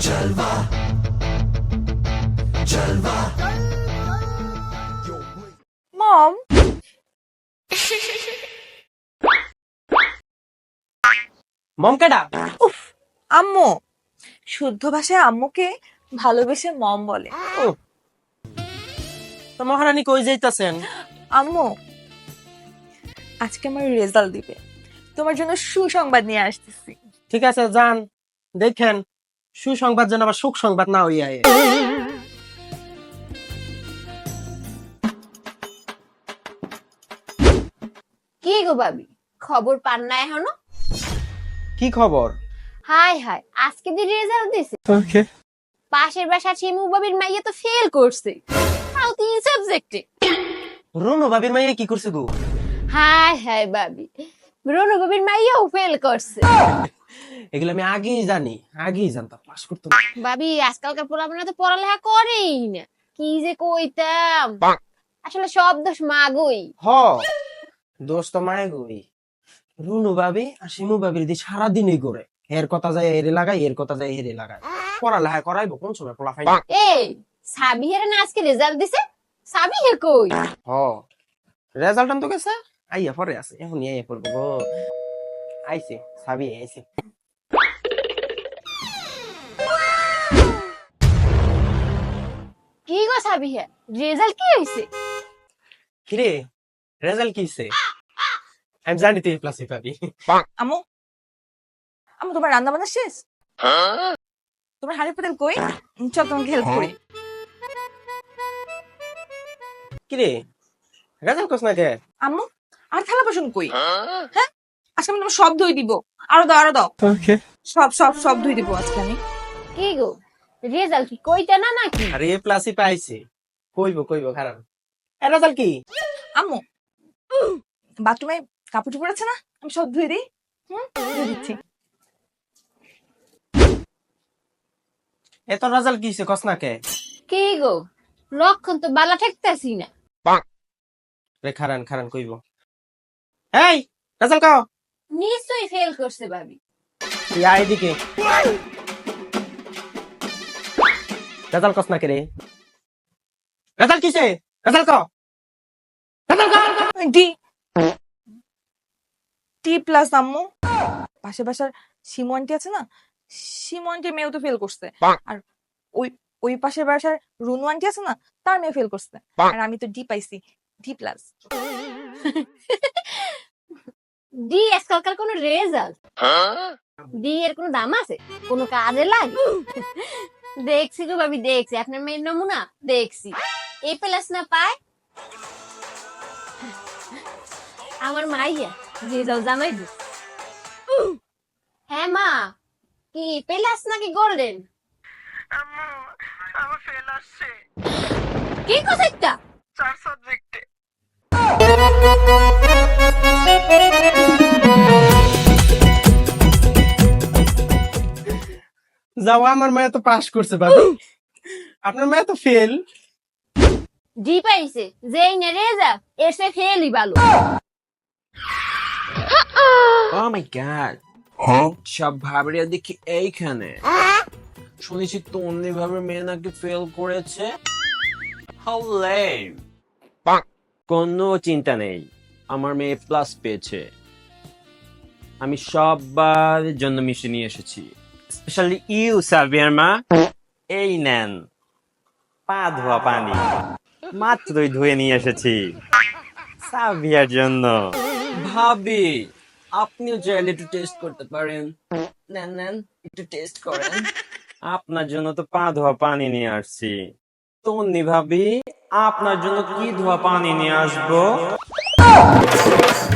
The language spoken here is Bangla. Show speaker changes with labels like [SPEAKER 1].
[SPEAKER 1] মম,
[SPEAKER 2] মম কেডা?
[SPEAKER 1] উফ, আম্মু। শুদ্ধ ভাষায় আম্মুকে ভালোবেসে মম বলে।
[SPEAKER 2] তো মহারানী কই যাইতাছেন?
[SPEAKER 1] আম্মু, আজকে আমার রেজাল্ট দিবে, তোমার জন্য সুসংবাদ নিয়ে আসতেছি।
[SPEAKER 2] ঠিক আছে, যান, দেখেন সুসংবাদ যেন আবার সুখ সংবাদ না হইয়া।
[SPEAKER 3] কি গো ভাবি, খবর পান না এখনো?
[SPEAKER 2] কি খবর?
[SPEAKER 3] হাই হাই, আজকে দি রেজাল্ট দিছে। পাশের বাসার শিমু বাবির মাইয়া তো ফেল করছে, তাও 3 সাবজেক্টে।
[SPEAKER 2] রুনু ভাবির মাইয়া কি করছে গো?
[SPEAKER 3] হাই হাই ভাবি, রনু বাবির মাইয়াও ফেল করছে।
[SPEAKER 2] এগুলো আমি আগেই জানতাম, পাস করতো না।
[SPEAKER 3] ভাবি, আজকালকার পোলাপানা তো পড়ালেখা করেই না, কি যে কইতাম। আসলে সব দোষ মাগই।
[SPEAKER 2] হ, দোষ তো মায়ে গই। রুনু ভাবি আর শিমু ভাবির দি সারাদিনই করে, এর কথা যায় এরে লাগাই, এর কথা যায় এরে লাগাই। পড়ালেখা করাইবো কোন সময় পোলা ফাই?
[SPEAKER 3] এই সাবিহের না আজকে রেজাল্ট দিছে, সাবিহে কই?
[SPEAKER 2] হ, রেজাল্ট আনতো গেছে, আইয়া পরে আছে, এখন আইয়া পড়বো গো। আইছে সাবি আইছে।
[SPEAKER 3] কি গো সাবিহে, রেজাল্ট কি হইছে?
[SPEAKER 2] কিরে, রেজাল্ট কি হইছে? আমি জানি তুই প্লাস পাবি।
[SPEAKER 1] আম্মু, আম্মু তোমার রান্না বান্না শেষ? তোমার হাড়ি পাতিল কই? চল তোমাকে হেল্প করি।
[SPEAKER 2] কিরে, রেজাল্ট কোস না কে?
[SPEAKER 1] আম্মু, আর থালা বাসন কই? হ্যাঁ, আজকে আমি তোমার সব ধুই দিব। আরো দাও, আরো দাও। সব সব সব ধুই দিব আজকে আমি।
[SPEAKER 3] কি গো, রেজাল্ট কি কইতা না নাকি?
[SPEAKER 2] আরে প্লাসই পাইছে, কইবো খারাপ। এ রেজাল্ট কি?
[SPEAKER 1] আম্মু, বাথরুমে কাপড় চোপড় আছে না? আমি সব ধুই দিই। ধুয়ে দিচ্ছি।
[SPEAKER 2] এত রেজাল্ট কি হইছে কস না কে?
[SPEAKER 3] কি গো, লক্ষণ তো বালা ঠেকতাছি না।
[SPEAKER 2] রে খারান কইবো। এই রেজাল্ট কাও।
[SPEAKER 3] নিশ্চয়ই ফেল করছে ভাবি।
[SPEAKER 2] তুই আয় এদিকে। রেজাল্ট কস না কে রে? রেজাল্ট কিছে? রেজাল্ট কাও।
[SPEAKER 1] ডি, টি প্লাস আম্মু। পাশে বাসার শিমু আন্টি আছে না, শিমু আন্টির মেয়েও তো ফেল করছে। আর ওই ওই পাশের বাসার রুনু আন্টি আছে না, তার মেয়ে ফেল করছে। আর আমি তো ডি পাইছি, ডি প্লাস।
[SPEAKER 3] ডি আজকালকার কোন রেজাল্ট? ডি এর কোন দাম আছে? কোন কাজে লাগে? দেখছি গো ভাবি, দেখছি আপনার মেয়ের নমুনা দেখছি। এ প্লাস না পায় আমার মাইয়া, রেজাল্ট জানাই দিস। হ্যাঁ মা, কি প্লাস নাকি গোল্ডেন?
[SPEAKER 4] আমার ফেল আসছে
[SPEAKER 3] কি কথা একটা?
[SPEAKER 4] 4 সাবজেক্টে।
[SPEAKER 2] যাও, আমার মেয়ে তো পাস করছে ভাবি, আপনার মেয়ে তো ফেল।
[SPEAKER 3] ডি পাইছে, যেই না রেজাল্ট এসে ফেলই ভালো।
[SPEAKER 5] ও মাই গড, সব ভাবরিয়া দেখি এইখানে। শুনেছি তন্নি ভাবের মেয়ে নাকি ফেল করেছে। How lame! কোনো চিন্তা নেই, আমার মেয়ে প্লাস পেয়েছে। আমি সবার জন্য মিশে নিয়ে এসেছি, স্পেশালি ইউ সাবিয়ার মা। এই নেন পা ধোয়া পানি, মাত্রই ধুয়ে নিয়ে এসেছি সাবিয়ার জন্য। ভাবি, আপনিও চাইলে একটু টেস্ট করতে পারেন। নেন একটু টেস্ট করেন। আপনার জন্য তো পা ধোয়া পানি নিয়ে আসছি। তন্নি ভাবি, আপনার জন্য কি ধোয়া পানি নিয়ে আসবো?